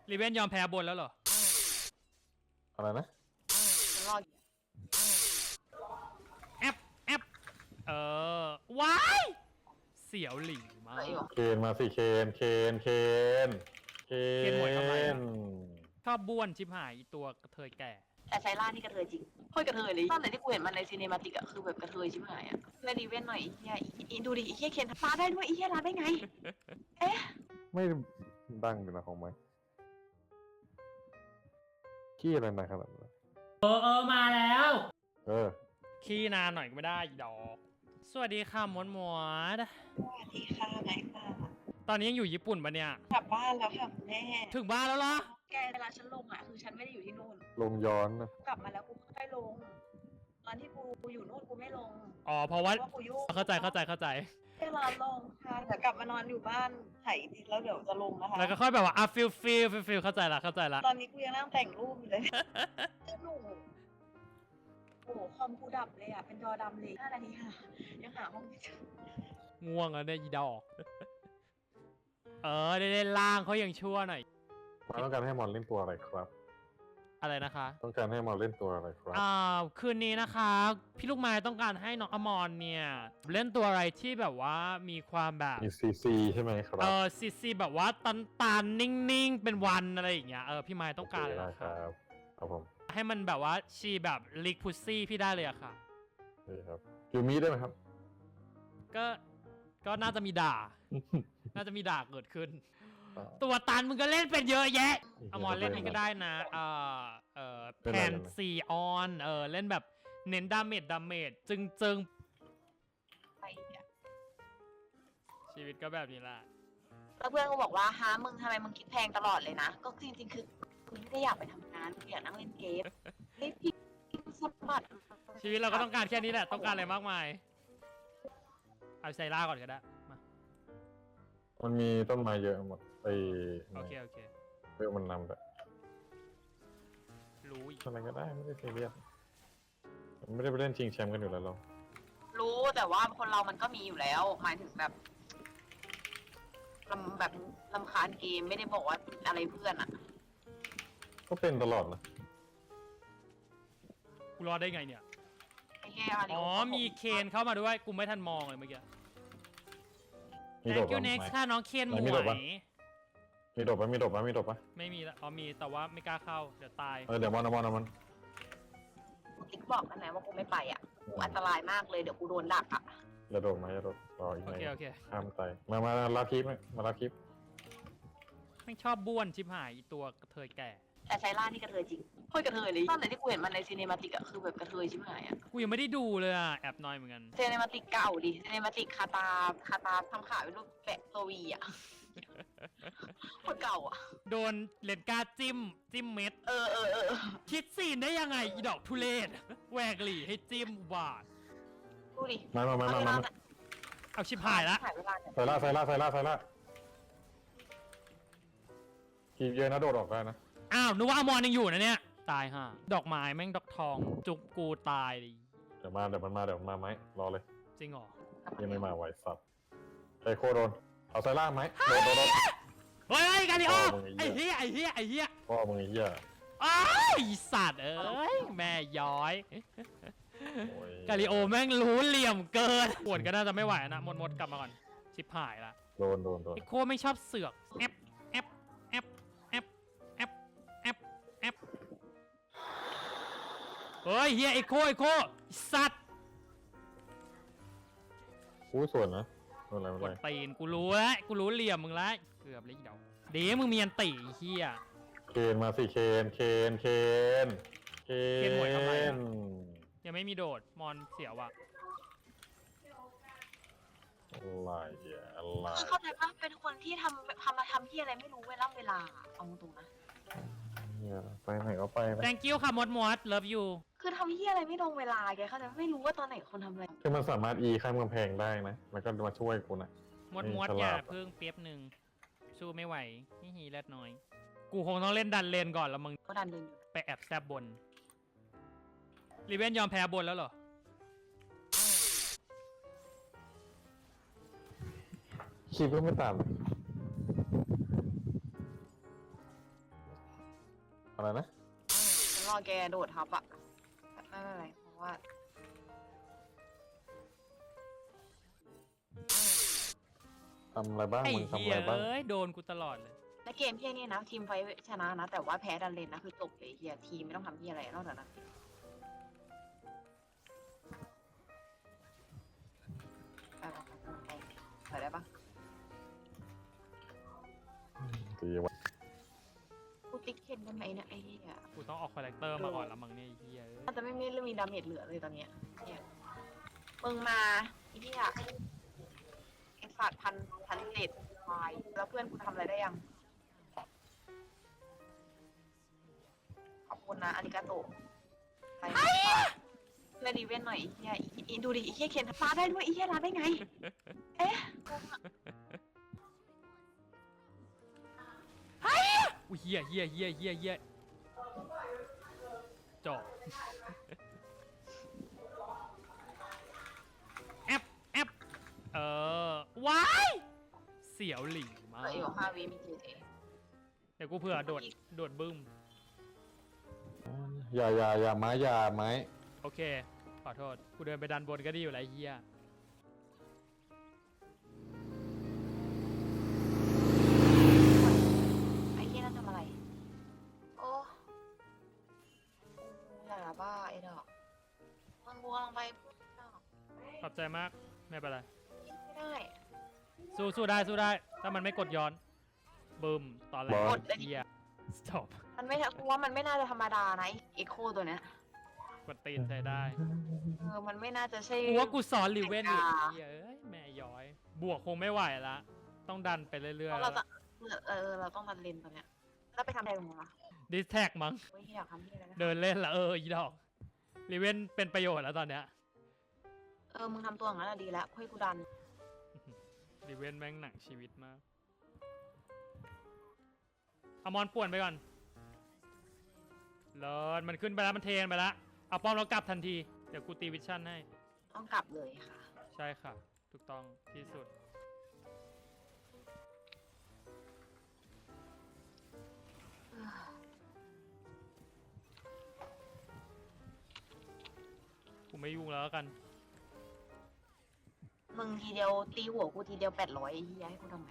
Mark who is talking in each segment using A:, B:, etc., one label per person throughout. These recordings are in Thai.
A: รีเวนยอมแพ้บนแล้วเหรอ
B: อะไรนะ
C: มันรอ
A: แอปแอปว้ายเสียวหลิงมาก
B: เคนมาสิเคน
A: หมวยทำไมชอบบ้วนชิบหายตัวกระเทยแก่
C: แต่ไซร่านี่กระเทยจริงโคตรกระเทยเลยตอนไหนที่กูเห็นมันในซีเนมาติกอะคือแบบกระเทยชิบหายอะในดีเวนหน่อยเฮียดูดิเฮียเคนลาได้ด้วยเฮียลาได้ไงเอ๊ะ
B: ไม่ดังเลยนะของมันขี้อะไรนะขนาดนั้น
A: มาแล้ว
B: อ
A: ขี้นานหน่อยก็ไม่ได้ดอกสวัสดีค่ะมดมด
C: สวัสดีค่ะไหนค่ะ
A: ตอนนี้ยังอยู่ญี่ปุ่นปะเนี่ย
C: กลับบ้านแล้วค่ะแม่
A: ถึงบ้านแล้วเหรอ
C: แกเวลาฉันลงอะคือฉันไม่ได้อยู่ที่นู่น
B: ลงย้อนนะ
C: กลับมาแล้วกูค่อยลงตอนที่กูอยู่นู่นกูไม่ลง
A: อ๋อเพราะว่า
C: กูยุ่ง
A: เข้าใจ
C: แค่รอลงค่ะเดี๋ยวกลับมานอนอยู่บ้านไถจริงแล้วเดี๋ยวจะลงนะคะ
A: แล้วก็ค่อยแบบว่าฟิลเข้าใจละ
C: ตอนนี้กูยังนั่งแต่งรูปอยู่เลยหนูโอ้คอมกูดับเลยอ่ะเป็นจอดำเลย5 นาทีค่ะยังหาห้องไม่เจอ
A: ง่วงแล้วเนี่ยอีดอกได้เล่นล่างเขายังชั่วหน่อย
B: มาต้องการให้มอนเล่นตัวอะไรครับ
A: อะไรนะคะ
B: ต้องการให้มอนเล่นตัวอะไรครับ
A: คืนนี้นะคะพี่ลูกไม้ต้องการให้น้องอมรเนี่ยเล่นตัวอะไรที่แบบว่ามีความแบบ
B: มีซีใช่ไหมครับ
A: ซีแบบว่าตันนิ่งเป็นวันอะไรอย่างเงี้ยพี่ไม้ต้องการเลย
B: ครับครับผม
A: ให้มันแบบว่าชีแบบลิกพุซซี่พี่ได้เลยอะค่ะ
B: นี่ครับยูมิได้ไหมครับ
A: ก็น่าจะมีด่าเกิดขึ้นตัวตันมึงก็เล่นเป็นเยอะแยะอมรเล่นนี่ก็ได้นะแผน4ออนเล่นแบบเน้นดาเมจจึง
C: ไปเนี่ย
A: ชีวิตก็แบบนี้แหละ
C: แล้วเพื่อนก็บอกว่าฮะมึงทำไมมึงคิดแพงตลอดเลยนะก็จริงๆคือกูไม่ได้อยากไปทำงานกูอยากนั่งเล่นเกมพี่สมบัติ
A: ชีวิตเราก็ต้องการแค่นี้แหละต้องการอะไรมากมายเอาไซร่าก่อนก็ได้มา
B: มันมีต้นไม้เยอะหมด
A: โอเค
B: เพื่อมันนำแบบ
A: รู้อีก
B: อะไรก็ได้ไม่ได้ซีเรียสไม่ได้ไปเล่นชิงแชมป์กันอยู่แล้วเรา
C: รู้แต่ว่าคนเรามันก็มีอยู่แล้วหมายถึงแบบลำคาญเกมไม่ได้บอกว่าอะไรเพื่อนอ่ะ
B: ก็เป็นตลอดนะ
A: กูรอได้ไงเนี่ย
C: อ๋อ
A: มีเคนเข้ามาด้วยกูไม่ทันมองเลยเมื่อกี้
B: มีโดด
A: Thank you next ค่ะน้องเคนหมวย
B: มีโดดปะ
A: ไม่มีละมีแต่ว่าไม่กล้าเข้าเดี๋ยวตาย
B: เดี๋ยวมัน
C: ติ๊กบอกกันนะว่ากูไม่ไปอ่ะกูอันตรายมากเลยเดี๋ยวกูโดนดักอ่ะ
B: อย่าโดดรออีกหน่อย
A: โอเค
B: ห้ามใจมารับคลิปมารับคลิป
A: ไม่ชอบบ้วนชิบหายตัวกระเทยแก่
C: แต่ไซร่านี่กระเทยจริงโคตรกระเทยเลยตอนไหนที่กูเห็นมันในซีเนมาติกอะคือแบบกระเทยชิบหายอะ
A: กูยังไม่ได้ดูเลยอะแอบน้อยเหมือนกัน
C: ซีเนมาติกเก่าดิซีเนมาติกคาตาทำขาเป็นรูปแปะตัววีอะคนเก่าอะ
A: โดนเลนกาจิ้มเม็ดคิดซีนได้ยังไงอีดอกทุเรศแหวกหลีให้จิ้มบาด
C: ดูดิ
B: มา
A: เอาชิบหายละ
B: ไซล่าทีเยอะนะโดดออกได้นะ
A: อ้าวนึกว่าอมรยังอยู่นะเนี่ยตายฮะดอกไม้แม่งดอกทองจุกกูตายดิ
B: เดี๋ยวมันมาไหมรอเลย
A: จริงเหรอ
B: ยังไม่มาไหวสับไอโคโดนเอาไซล่าไหมโดน
A: เฮ้ยกาลิโอไอ้เหี้ย
B: พ่อมึงไอ้เหี้ย
A: อ้ยสัตว์แม่ย้อยกาลิโอแม่งรู้เหลี่ยมเกินปวดก็น่าจะไม่ไหวนะมดกลับมาก่อนชิบหายละ
B: โดน
A: ไอโคไม่ชอบเสือกแอปเฮ้ยเฮียไอโคสัตว์
B: กูส่วนนะอะไร
A: กดตีนกูรู้เหลี่ยมมึงแล้วเกือบเลยเดี๋ยวมึงมีอันตีเฮีย
B: เคนมาสิเคน
A: หมวยทำไมยังไม่มีโดดมอนเสียวว่ะ
B: อะไร
C: เข้าใจปะเป็นคนที่ทำที่อะไรไม่รู้เวลาเอาตรงนะ
B: ไปไหนก็ไป
A: Thank you ค่ะมด love you
C: คือทำที่อะไรไม่ตรงเวลาแกเข้าใจไม่รู้ว่าตอนไหนคนทำอะไร
B: คือมันสามารถข้ามกำแพงได้นะมันก็มาช่วยกูนะ
A: มดอย่าเพิ่งเปียบหนึ่งสู้ไม่ไหวนี่เล็ดน้อยกูคงต้องเล่นดันเลนก่อนแล้วมึง
C: ก็ดันเลน
A: ไปแอบแซบบนรีเวนยอมแพ้บนแล้วเหรอ
B: คิดว่าไม่ต่ำอะไรนะ
C: ฉันรอแกโดดทับอะไม่เป็นไรเพราะว่า
B: ทำอะไรบ้าง
A: ไอ้
B: มึงทำ
A: เหี้
B: อะ
A: ย
B: ไรบ้าง
A: เอ้ยโดนกูตลอดเลย
C: ในเกมเพี้ยนี่นะทีมไฟชนะนะ แต่ว่าแพ้ดันเลนนะคือจบเลยเฮียทีมไม่ต้องทำเฮียอะไรนอกจากนั้นไปได้ปะ
B: ตีวะ
C: กูติ๊กเคนได้ไหมเนี่ยไอ้เฮีย
A: กูต้องออกคาแรคเตอร์มาก่อนแล้วมั้งเนี่ยไอ้เหี้ยเอ้ย
C: น่าจะไม่มีเรื่องมีดาเมจเหลือเลยตอนเนี้ยเนี่ยมึงมาไอ้เฮียไอ้สัตว์พันเศษควายแล้วเพื่อนกูทำอะไรได้ยังขอบคุณนะอาริกาโตะไปเพื่อนดีเวนหน่อยไอ้เฮียดูดิไอ้เฮียเคนลาได้ด้วยไอ้เฮียลาได้ไง เอ๊ะ
A: อุ้ยเหี้ยเหี้ยเหี้ยเหี้ยเหี้ยจบ แอปแอปว้ายเสียวหลิงมา
C: เหลื
A: ก
C: ออยู่5 วิมีเจเจ
A: เดี๋ยวกูเผื่อโดดบึ้ม
B: อย่าไม้อย่าไม้
A: โอเค ขอโทษ กูเดินไปดันบนก็ดีอยู่แล้วไอ้เหี้ย
C: ไอ้เฮียนั่นทำอะไร โอ้อย่าบ้าไอ้ดอกมันกูกำลังไปพูดดอก
A: ขอบใจมาก ไม่เป็นไร
C: ไม่ได้
A: สู้ได้สู้ได้ ถ้ามันไม่กดย้อน บึ้ม ตอนแรกเหี้ย stop
C: มันไม่กูว่ามันไม่น่าจะธรรมดานะไอ้เอ็กโคตัวเนี้ย
A: กดตีนใช้ได้
C: มันไม่น่าจะใช่
A: กูว่ากูสอนลิเวนอยู่ไอ้เหี้ยเอ้ยแม่ย้อย บวกคงไม่ไหวละ ต้องดันไปเรื่อย
C: เพราะเราจะเราต้องดันเลนตัวเนี้ยแล้วไปทำอะไรกับมึงล่ะ
A: ๆดิสแท็กมั้ง
C: เฮ้ยอยากทำที่อะไรนะ
A: เดินเล่นละอีดอกลิเวนเป็นประโยชน์แล้วตอนเนี้ย
C: มึงทำตัวอย่างนั้นอะดีแล้วให้กูดัน
A: ลิเวนแม่งหนังชีวิตมากเอามอนป่วนไปก่อนเลิศมันขึ้นไปแล้วมันเทนไปแล้วเอาป้อมแล้วกลับทันที เดี๋ยวกูตีวิชั่นให้
C: ต้องกลับเลยค่ะ
A: ใช่ค่ะ ถูกต้องที่สุด กูไม่ยุ่งแล้วกัน
C: มึงทีเดียวตีหัวกูทีเดียว800ไอ้เหี้ยให้กูทำไง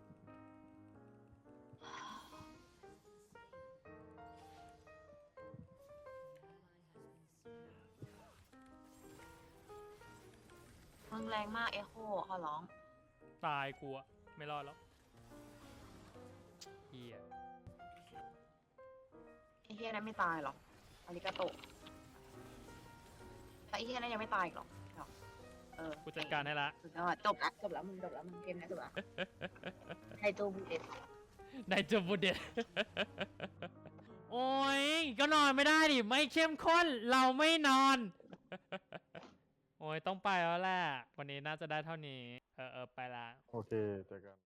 C: มึงแรงมากเอ็โคขอร้อง
A: ตายกูอะไม่รอดแล้วเฮีย
C: ไอ้เฮียนั้นไม่ตายหรอกอาริกาโตะแต่ไอ้เฮียนั้นยังไม่ตายอีกหรอก
A: กูจัดการให้ละ
C: สุดยอดจบละมึงเกมนี้จบละไฮโจบูเดต
A: นายจูบูเดต โอ้ยก็นอนไม่ได้ดิ ไม่เข้มข้น เราไม่นอน โอ้ยต้องไปแล้วแหละ วันนี้น่าจะได้เท่านี้ ไปละ
B: โอเคเจอกัน